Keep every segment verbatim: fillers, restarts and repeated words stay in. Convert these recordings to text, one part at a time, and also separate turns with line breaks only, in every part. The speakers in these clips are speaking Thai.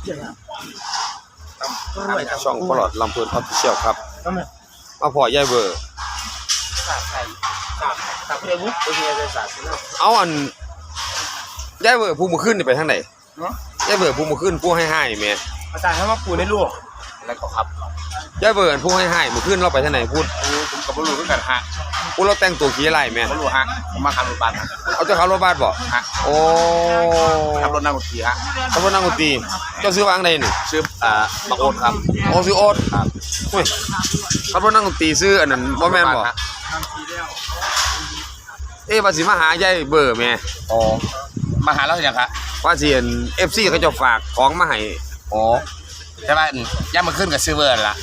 ช่องปลอดลำเพลินออฟฟิเชียลครับมาพอยายเบอร์เอาอันยายเบอร์ผู้มือขึ้นไปทางไหนยายเบอร์ผู้มือขึ้นผู้ให้ให้แม่
อาจารย์ให้มาปูในลูกแล้วก็ครับ
ยายเบอร์ผู้ให้ให้มือขึ้นเราไปทางไหนพูด
ผมกับลูกด้วยกันฮะ
พูดเราแต่งตัวขี้อะไรแม่
ลูกฮะผมมาขับรถบัส
เอาเจ้าขับรถบัสบ่
ฮะ
โอ้
ขับรถนั่งรถตีฮะ
ขับรถนั่งรถตีเจ้าซื้อวางใดนี่
ซื้ออ่าบักโอ๊ตครับ
โอ้ซื้อโอ๊ตครับเฮ้ยขับรถนั่งรถตีซื้ออันนั้นบ่แม่นบ่เอ๊ะว่าสิมาหายายเบอร์แม่
อ๋อมาหาแล้วยังครับ
ว่าสิอัน เอฟ ซี เขาจะฝากของมาให้
อ๋อใช่ป่ะย่ามาขึ้นกับซื้อเบอร์ละ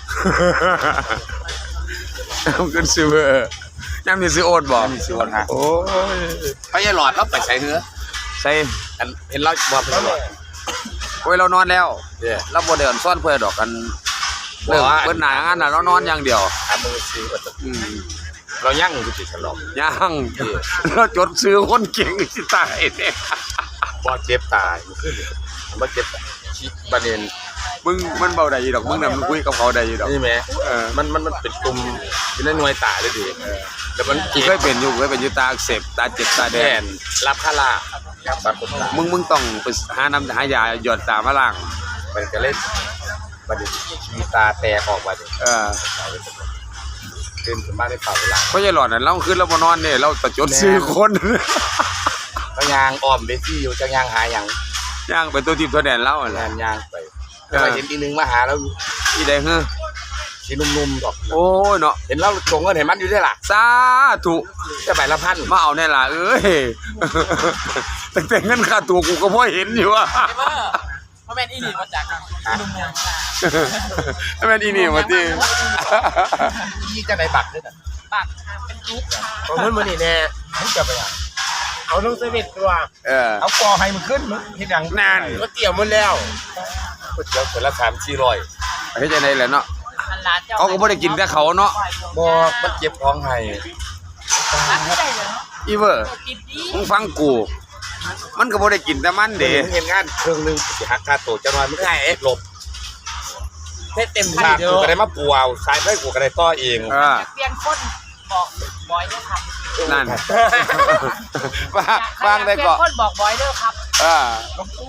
มันขึ้นซื้อเบอร์ย่ามีซื้อโอ๊ตบ่
มีซื้อโอ๊ตฮะ
โอ้ย
เขาจะหลอดแล้วไปใส่เนื้อ
ใส่
เห็นเราบ่เป็นหลอด
โอ้ยเรานอนแล้วเราบ่ได้อ่อนซ่อนเพื่อดอกกันเลิกเบิ้ลหน้างานน่ะเรานอนอย่างเดียว
ทำมือซื้อก็อืมเรายั่งอยู่ติดฉลอง
ยั่งเราจดซื้อคนเก่งสิตายเนี่ย
บ่เจ็บตายขึ้นบ่เจ็บชิประเด็น
มึงมันเบาได้อยู่ดอกมึงน่ะมึงคุยกับเขาได้อยู่ดอก
นี่แม่เออมันมันมันเป็นตุ่มอยู่ในหน่วยตาเลยดิเออแล้วมัน
เคยเป็นอยู่เคยเป็นอยู่ตาอักเสบตาเจ็บตาแดง
รับคาราครับบัดผมตา
มึงมึงต้องไปหาน้ำหายาหยอดตามาล้าง
มันก็เล่นบัดนี้มีตาแตกออกมาดิ
เออ
ขึ้นถึงบ้านได้เปล่าเวลา
เพราะยายหลอดน่ะเราขึ้นเราบ่นอนนี่เราตะจดซื้อคน
ก็ยางอ้อมเบซี่อยู่จังยางหาหยัง
ย่างไปตัวทิพย์ตัวแดนเล่าแหละ
ยางไปก็เห็นอีนึงมาหาแล้ว
อีแดงเฮ้อ
สีนุ่มๆดอก
โอ้ยเนาะ
เห็นเราส่งเงินเห็นมันอยู่ด้วยล่ะ
สาธุ
จะใบละพัน
มาเอาแน่ล่ะเอ้ยตั้งแต่เงินค่าตัวกูก็พอเห็นอยู่อ่ะ
เพราะแม่นอีนี่มาจากนุ่มๆ
แม่นอีนี่มาที่
ยี่จะได้บัตรด้วยนะ
บัตรเป็นรูป
ของมันมันนี่แน่มึงจะไปอ่ะเอาน้องเซเว่นตัว
เออ
เอากอให้มันขึ้นมึงเห็นอย่าง
นาน
ก็เกี่ยวมันแล้วก็เกี่ยวคนละสามสี่ร้อย
เฮ้ยจะได้แหละเนาะเขาก็ไม่ได้กินแต่เขาเนาะ
บ่มันเจ็บท้องให้
อีเวอร์มึงฟังกูมันก็ไม่ได้กินแต่มันเด้
เห็นงานเครื่องนึงจะหักค่าตัวจะน้อยมึงให้หลบเต็มที่กูก็ได้มาปูเอาสายไฟกูก็ได้ต่อเอง
เปลี่ยนคนบอกบอยด้วยครับ
นั่นฟังได้ก็
คนบอกบอยด้วยครับ
อ่า
กู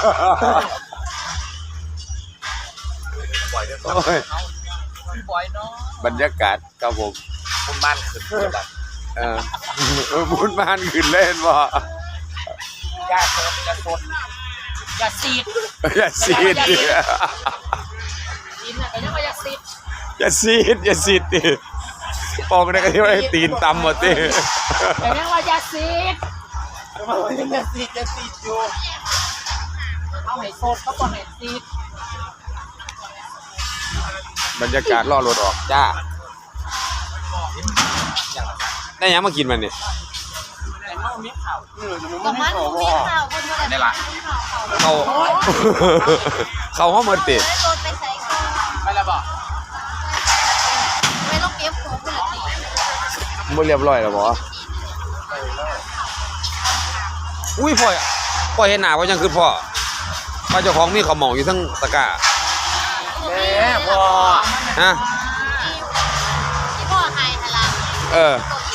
บอยด้วย
บอยเนาะ
บรรยากาศครับผม
บุญบ้านขึ้น
เออบุญบ้านขึ้นเล่นบ่
ยาเสพยาสดยาซีด
ยาซีด
กินอะไรก็ยาซีด
ยาซีดยาซีดดิปองได้ก็ที่ว่าตีนตำหมดดิ
แต่ยังว่ายาซีดยาซีดยาซีดอยู่เอาให้สดก็ก่อนให้ซีด
บรรยากาศล่อรถออกจ้าได้ยังมากินมันนี่
ก็มันมีข่าวคนเท่าไหร่
นี่ล่ะเขาเขาห้องมือติด
ไปแล้วบอกไม่ต้องเก็บของคนละที
มันเรียบร้อยแล้วบ่อุ้ยพ่อพ่อเห็นหน้าว่ายังคือพ่อพ่อเจ้าของมีข้าวหม่องอยู่ทั้งตะกร้า
แม่พ่อ
ฮะ
ที่พ่อให้ฮะล่ะ
เออ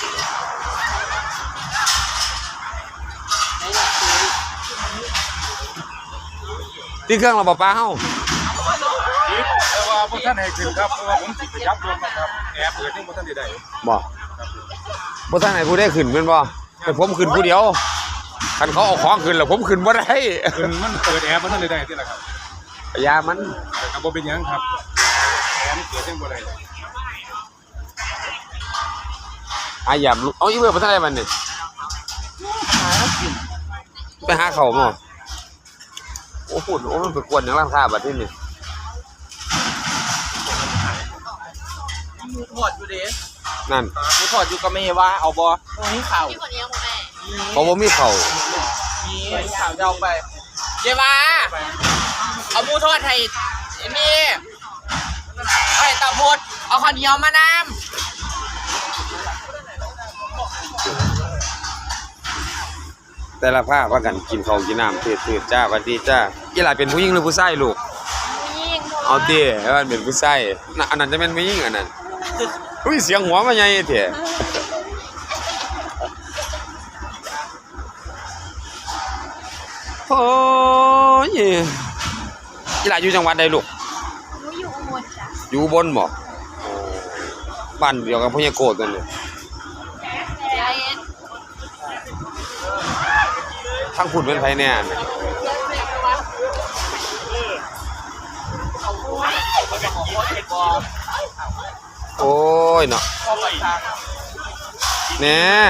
ที่เครื่องเราป้าเฮ้า
แต่ว่าพวกท่านให้ขึ้นครับเพราะว่าผมติดยับรถนะครับแอบเปิดนี่พวกท่านได้
บ่พวกท่านไหนผู้ได้ขึ้นเป็นบ่แต่ผมขึ้นผู้เดียวคันเขาเอาของขึ้นแล้วผมขึ้นบ่ได้
ขึ้นมันเปิดแอบพวกท่านได้ที่ไหนครับ
ยามัน
ครับบ่เป็นยังครับแอบนี่เปิดยังบ่ได้
อาหยาบเอาอีเบอร์พวกท่านไหนมันนี่ไปหาเขาหม้อโอ้โหโอ้มันไปกวนอย่างร้านค้าแบบนี้นี่
มูทอดอยู่เด้
นั่น
มูทอดอยู่ก็ไม่ว่าเอาบ่มีข่าว
เขาบ่มีเขา
มีข่าวเดาไปเยว่าเอามูทอดให้นี่ให้ตาพูดเอาข้าวเหนียวมานำ
แต่ละภาคว่ากันกินข้าวกินน้ำเทืดๆจ้าสวัสดีจ้าอีหลาเป็นผู้หญิงหรือผู้ชายลูก
ยิ่ง
เอาติว่าเป็นผู้ชายน่ะอันนั้นจะเป็นผู้หญิงอันนั้นอุ้ยเสียงหัวมาใหญ่แท้โอ้ยอีหลาอยู่จังหวัดใดลูก
หนูอยู่อุบลจ้ะ
อยู่อุบนบ่บ้านเดียวกับพญาโกดนั่นเลย
ยายเอ็น
ทางพุ่นเป็นไผแน่น่ะโอ้ยเนาะแน่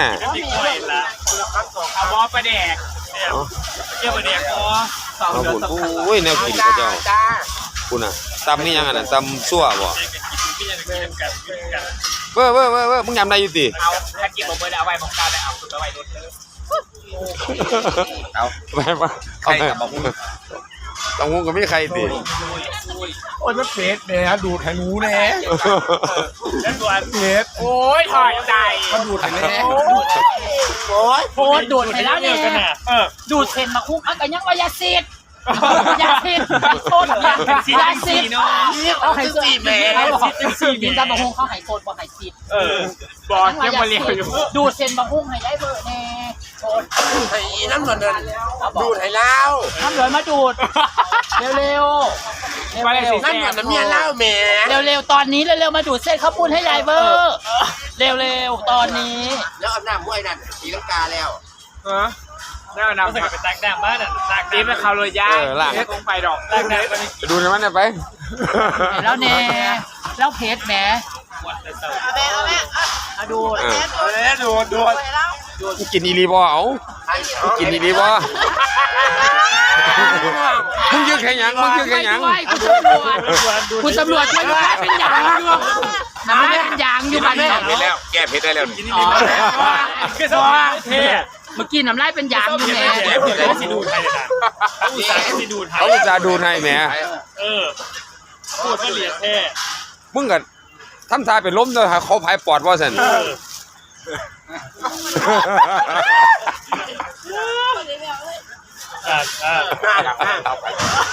เอาบอประแดกเนี่ยเกี่ยวประแดกบอสอง
เอา
เดือน
พุ่น
สำคัญ
โอ้ยแนวกินเขาเจ้า
จ้า
พุ่นน่ะตำนี่ยังอันนั้นตำซั่วบ่
พี่จะกินกันกินกัน
เว้อเว้อเว้อเว้อมึงยำได้อยู่ติ
เอาถ้ากินผมไปแล้วเอาไว้ผมกาวได้เอาสุดเอาไว้รถเลย
เอา
ไปมา
ใครกับบอกมึง
ต้องงูก็มีใครติ
โอ้ยมันเฟสแหน่ดูดให้หนูแหน่
แล้วส่วน
เฟส
โอ้ยถอดใจ
มันดูดให้แหน่
โอ้ย
โพสต์ดูดไปแล้วเนี่ย
เออ
ดูดเห็นมาคุ้งอันกันยังว่ายาซีดยาซีดโคตรยาซีดยาซีดเอาไห้ซีดเขาบอกกินตาบะฮุงเขาไห้โคตรบอกไห้ซีด
เออบอกยังมาเรียกอยู่
ดูดเส้นบะฮุงให้ได้เบอร์แน่โคตร
ไอ้น้ำมันนั่นดูดให้เล่า
น้ำเหลือมาดูดเร็วเร็วเร็ว
นั่นมันน้ำเมียเล่าแหม่
เร็วเร็วตอนนี้เร็วเร็วมาดูดเส้นข้าวปุ้นให้ยายเบอร์เร็วเร็วตอนนี้
แล้วเอาน้ำมวยนั่นสีลังกาแล้ว
เออได้นำไปตักแดงบ้านน่ะตักดีไปเขาเลยย่าไม่ต้องไปดอกตักแดงไป
ไปดูในมันน่ะไป
แล้วเน่แล้วเพชรแหม
เอาแม่เอาแม่
มาดูด
เออ
เอ้ยดูดดูด
ไปแล้ว
มึงกินอีหลีบ่เอามึงกินอีหลีบ่มึงยืดแค่หยังมึงยืดแค่หยัง
ด้วยคุณตำรวจคุณตำรวจช่วยด้วยเป็นยางอยู่น้ำได้เป็นยางอยู่บ้าน
แก้
เนา
เพชรแล้ว แก้เพชรได้แล้วนี่
อ๋อ
คือสว่าเท่
เมื่อกี้น้ำลายเป็นยางอยู่แหม
เขาสิดูไทยเลยนะเขาอุตส่าห์สิดูไทย
เขาจะดูให้แหม
เออพูดว่าเหลียดเท่
มึงก็ทำท่าเป็นล้มเด้อหาเขาผายปอดว่าซั่น
เออ อ่าอ่า
หน้าหลังหน้าเอาไป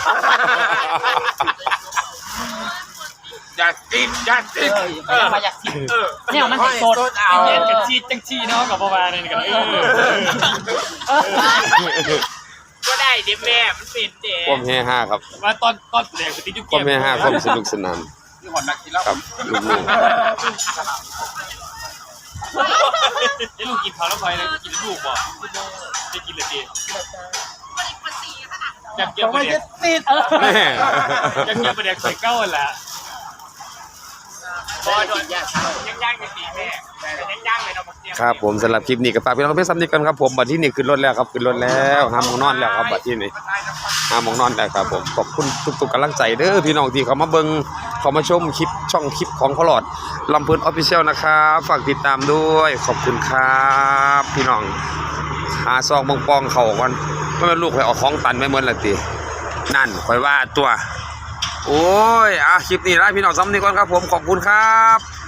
อย่าติดอย่าติด
เออมาอยากกิน
เออ
เนี่ยมันสด
เอาเย็นกับชีจังชีเนาะกับประมาณนี้กันเออก็ได้ดิแม่มันเป็นเด็ก
ความเฮฮาครับ
มาตอนตอนแรกติดยุค
ความเฮฮาความสนุกสนาน
นี่หอนนักกินแล้ว
ครับลูก
ไอ้ลูกกินข้าวแล้วพอยเลยกินลูกบ่ได้กินเลยดีอยากเกี่ยวประเด็น
ติดเออ
ๆแม่
อยากเกี่ยวประเด็นใส่เก้าแหละบอโดนย่างย่างกันดีแม่ย่างย่างเลยเราบอกเตรียม
ครับผมสำหรับคลิปนี้ก็ฝากพี่น้องเพื่อนซ้ำนี้กันครับผมบัดที่นี่ขึ้นรถแล้วครับขึ้นรถแล้วห้ามมองนอนแล้วครับบัดที่นี่ห้ามมองนอนแล้วครับผมขอบคุณทุกๆกำลังใจเด้อพี่น้องที่เขามาเบิ่งเขามาชมคลิปช่องคลิปของพอลอดลำเพิ่นออฟฟิเชียลนะครับฝากติดตามด้วยขอบคุณครับพี่น้องหาซองบงปองเข่ากันไม่เป็นลูกไปเอาของตันไม่เหมือนละตินั่นคอยว่าตัวโอ้ยอ่ะคลิปนี้ไล่พี่น้องซ้ำนี้ก่อนครับผมขอบคุณครับ